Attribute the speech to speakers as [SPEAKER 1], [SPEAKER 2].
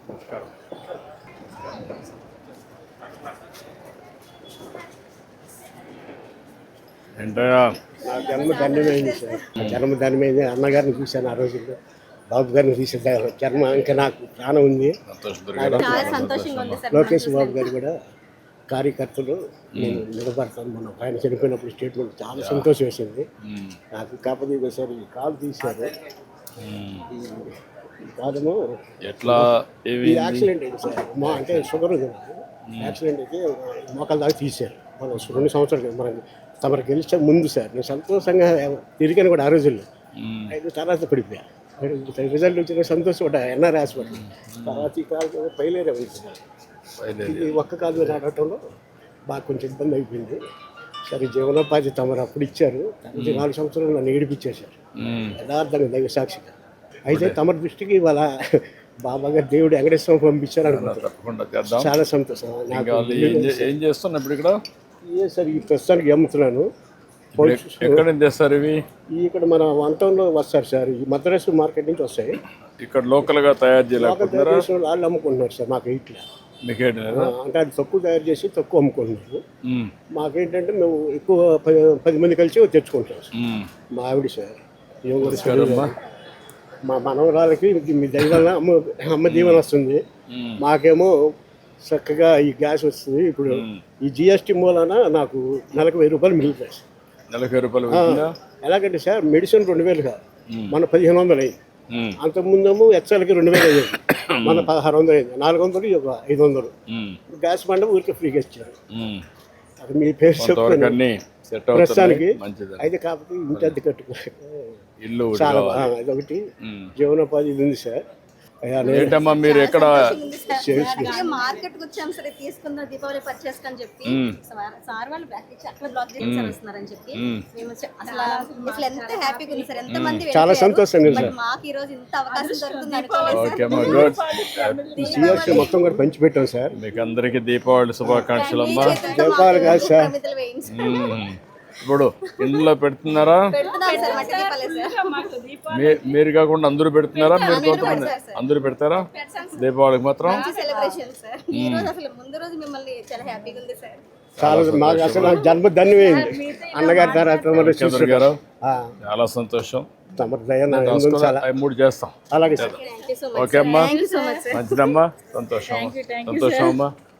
[SPEAKER 1] నమస్కారం. ఏంటయ్యా
[SPEAKER 2] నా జన్మ ధన్యమైంది సార్. నా జన్మ ధన్యమైంది. అన్నగారిని చూశాను ఆ రోజుల్లో, బాబు గారిని చూశాను. జన్మ ఇంకా నాకు ప్రాణం ఉంది.
[SPEAKER 3] చాలా సంతోషంగా ఉంది సార్.
[SPEAKER 2] లోకేష్ బాబు గారు కూడా కార్యకర్తలు నేను నిలబడతాను. మనం ఆయన చనిపోయినప్పుడు స్టేట్మెంట్ చాలా సంతోషం వేసింది నాకు. కాకపోతే సార్ ఈ కాలు తీశారు. ఈ కాలము
[SPEAKER 1] ఎట్లా
[SPEAKER 2] ఈ యాక్సిడెంట్ అయింది సార్. మా అంటే షుగర్ ఉంది నాకు. యాక్సిడెంట్ అయితే మోకాల దాకా తీశారు. మనం 2 సంవత్సరాలు మనం తమరు గెలిచే ముందు సార్ నేను సంతోషంగా తిరిగాను కూడా ఆ రోజుల్లో. 5 తర్వాత పడిపోయా. రిజల్ట్ వచ్చిన సంతోషపడ్డా ఎన్ఆర్ హాస్పిటల్. తర్వాత ఈ కాలు పైలేరే ఉంది సార్. ఇది ఒక్క కాలు మీద నడవటంలో బాగా కొంచెం ఇబ్బంది అయిపోయింది. సరే జీవనోపాధి తమరు అప్పుడు ఇచ్చారు. 4 సంవత్సరాలు నన్ను ఏడిపించేశారు యథార్థంగా దైవ సాక్షిగా. అయితే తమరి దృష్టికి ఇవాళ బాబా గారు దేవుడు వెంకటేశ్వరం పంపించారు అనుకుంటున్నాను. చాలా సంతోషం.
[SPEAKER 1] ఏం చేస్తున్నా ఇప్పుడు ఇక్కడ?
[SPEAKER 2] ఏ సార్ ఈ ప్రస్తుతానికి అమ్ముతున్నాను.
[SPEAKER 1] ఎక్కడ తెస్తారు ఇవి?
[SPEAKER 2] ఇక్కడ మన 1 టౌన్లో వస్తారు సార్. ఈ మద్రాసు మార్కెట్ నుంచి వస్తాయి.
[SPEAKER 1] ఇక్కడ లోకల్గా తయారు చేయలేకపోతున్నారా?
[SPEAKER 2] వాళ్ళు అమ్ముకుంటున్నారు సార్. మాకు ఇట్లా
[SPEAKER 1] మీకేంటి
[SPEAKER 2] అంటే అది తక్కువ తయారు చేసి తక్కువ అమ్ముకుంటున్నారు. మాకేంటంటే మేము ఎక్కువ 10 మంది కలిసి తెచ్చుకుంటాం సార్. మా ఆవిడ సార్ మా మనవరాలకి మీ దైవాల అమ్మ దీవెన వస్తుంది. మాకేమో చక్కగా ఈ గ్యాస్ వస్తుంది. ఇప్పుడు ఈ జిఎస్టీ మూలాన నాకు నెలకు 1000 రూపాయలు మిగులుతాయి సార్.
[SPEAKER 1] నెలకు 1000 రూపాయలు
[SPEAKER 2] ఎలాగంటే సార్ మెడిసిన్ 2000 కాదు, మన 1500 అయింది. అంతకుముందేమో ఎక్సెల్కి 2000 అయ్యేది, మన 1600 అయింది. 400 ఒక 500. గ్యాస్ బండ ఊరికి ఫ్రీగా ఇచ్చారు. అది మీ పేరు చెప్తాను ప్రస్తుతానికి. అయితే కాకపోతే ఇంటి అద్దె కట్టుకో
[SPEAKER 1] ఇల్లు
[SPEAKER 2] చాలా అదొకటి జీవనోపాధి ఇది ఉంది సార్.
[SPEAKER 1] ఏంటమ్మా మీరు ఎక్కడ
[SPEAKER 3] మార్కెట్ వచ్చాం సరే తీసుకుందాం దీపావళి పర్చేస్ అని చెప్పి సార్ వాళ్ళు బ్యాక్ ఇచ్చి అక్కడ బ్లాక్ చేసి వస్తున్నారని చెప్పి మేము అసలు ఎంత హ్యాపీగా ఉంది సార్. ఎంత మంది
[SPEAKER 2] చాలా సంతోషంగా ఉంది సార్.
[SPEAKER 3] మాకు ఈ రోజు ఇంత అవకాశం దొరుకుతుంది.
[SPEAKER 2] సిఎస్సి మొత్తం కూడా పంచిపెట్టాం సార్.
[SPEAKER 1] మీకు అందరికి దీపావళి శుభాకాంక్షలు అమ్మా.
[SPEAKER 2] దీపావళి కాదు సార్.
[SPEAKER 1] ఇప్పుడు ఇందులో పెడుతున్నారా? మీరు కాకుండా అందరూ పెడుతున్నారా? మీరు కొంతమంది అందరూ పెడతారా దీపావళికి మాత్రం?
[SPEAKER 2] చాలా మాకు అసలు జన్మ ధన్యమైంది అన్నగారి తర్వాత
[SPEAKER 1] గారు. చాలా సంతోషం.
[SPEAKER 2] చాలా
[SPEAKER 1] 3 చేస్తాం.
[SPEAKER 2] అలాగే సార్.
[SPEAKER 1] ఓకే అమ్మా, మంచిదమ్మా, సంతోషం. సంతోషం అమ్మా.